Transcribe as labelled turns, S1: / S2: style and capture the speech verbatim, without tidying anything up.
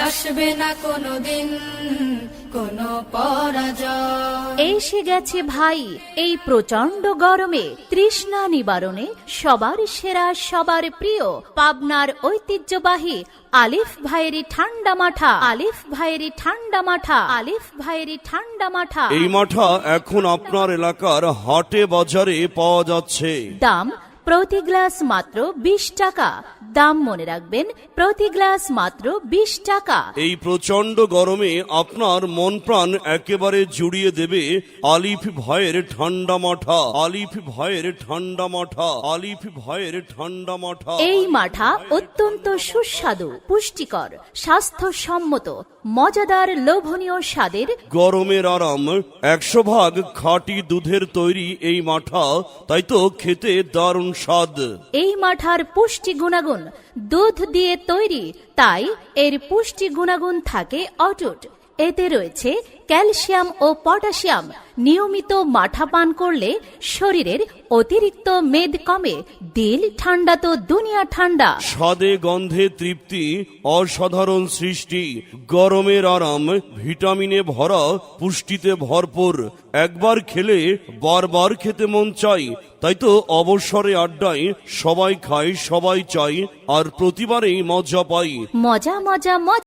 S1: আসবে না কোনোদিন কোনো পরাজয়।
S2: এসে গেছে ভাই এই প্রচন্ড গরমে তৃষ্ণা নিবারণে সবার সেরা সবার প্রিয় পাবনার ঐতিহ্যবাহী আলিফ ভাইয়েরই ঠান্ডা মাঠা আলিফ ভাইয়েরই ঠান্ডা মাঠা আলিফ ভাইয়েরই ঠান্ডা মাঠা।
S3: এই মাঠা এখন আপনার এলাকার হাটে বাজারে পাওয়া যাচ্ছে।
S2: দাম প্রতি গ্লাস মাত্র বিশ টাকা। দাম মনে রাখবেন, প্রতি গ্লাস মাত্র বিশ টাকা।
S3: এই প্রচন্ড গরমে আপনার মন প্রাণ একেবারে জুড়িয়ে দেবে আলিফ ভাইয়ের ঠান্ডা মাঠা আলিফ ভাইয়ের ঠান্ডা মাঠা আলিফ ভাইয়ের ঠান্ডা মাঠা।
S2: এই মাঠা অত্যন্ত সুস্বাদু, পুষ্টিকর, স্বাস্থ্যসম্মত, মজাদার, লোভনীয় স্বাদের।
S3: গরমের আরাম, একশো ভাগ খাঁটি দুধের তৈরি এই মাঠা, তাই তো খেতে দারুণ স্বাদ।
S2: এই মাঠার পুষ্টি গুণাগুণ, দুধ দিয়ে তৈরি, তাই এর পুষ্টি গুণাগুণ থাকে অটুট। এতে রয়েছে ক্যালসিয়াম ও পটাশিয়াম। নিয়মিত মাঠা পান করলে শরীরের অতিরিক্ত মেদ কমে, দিল ঠান্ডা তো দুনিয়া ঠান্ডা।
S3: স্বাদে গন্ধে তৃপ্তি, অসাধারণ সৃষ্টি, গরমের আরাম, ভিটামিনে ভরা, পুষ্টিতে ভরপুর। একবার খেলে বারবার খেতে মন চাই, তাই তো অবসরে আড্ডায় সবাই খায়, সবাই চাই, আর প্রতিবারেই মজা পাই।
S2: মজা মজা মজা।